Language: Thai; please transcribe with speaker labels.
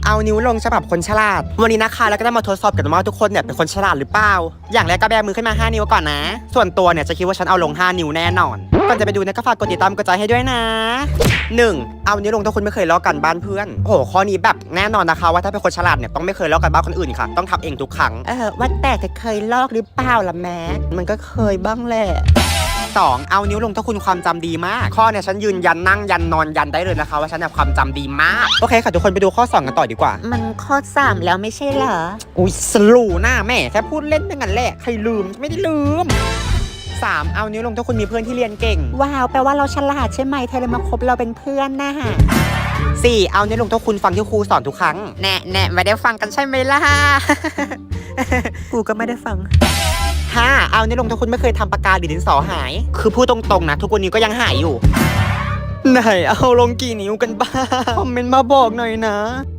Speaker 1: เอานิ้วลงฉบับคนฉลาดวันนี้นะคะแล้วก็จะมาทดสอบกันว่าทุกคนเนี่ยเป็นคนฉลาดหรือเปล่าอย่างแรกก็แบมือขึ้นมา5นิ้วก่อนนะส่วนตัวเนี่ยจะคิดว่าฉันเอาลง5นิ้วแน่นอนก่อนจะไปดูนะก็ฝากกดติดตามกดใจให้ด้วยนะ 1. เอานิ้วลงถ้าคุณไม่เคยลอกกันบ้านเพื่อนโอ้โหข้อนี้แบบแน่นอนนะคะว่าถ้าเป็นคนฉลาดเนี่ยต้องไม่เคยลอกกันบ้านคนอื่นค่ะต้องทำเองทุกครั้งว่าแต่จะเคยลอกหรือเปล่าล่ะแม่มันก็เคยบ้างแหละ2. เอานิ้วลงถ้าคุณความจำดีมากข้อเนี่ยฉันยืนยันนั่งยันนอนยันได้เลยนะคะว่าฉันเนี่ยความจำดีมากโอเคค่ะทุกคนไปดูข้อ2กันต่อดีกว่า
Speaker 2: มันข้อ3แล้วไม่ใช่เหรอ
Speaker 1: อุ้ยสลูหน้าแม่แค่พูดเล่นอย่างนั้นแหละใครลืมไม่ได้ลืม3. เอานิ้วลงถ้าคุณมีเพื่อนที่เรียนเก่ง
Speaker 2: ว้าวแปลว่าเราฉลาดใช่ไหมเธอเลยมาคบเราเป็นเพื่อนนะฮะ
Speaker 1: 4. เอานิ้วลงถ้าคุณฟังที่ครูสอนทุกครั้งแน่ไม่ได้ฟังกันใช่ไหมล่ะ
Speaker 2: กูก็ไม่ได้ฟัง
Speaker 1: 5. เอานิ้วลงถ้าคุณไม่เคยทำปากกาหรือดินสอหายคือพูดตรงๆนะทุกวันนี้ก็ยังหายอยู่ไหนเอาลงกี่นิ้วกันบ้างคอมเมนต์มาบอกหน่อยนะ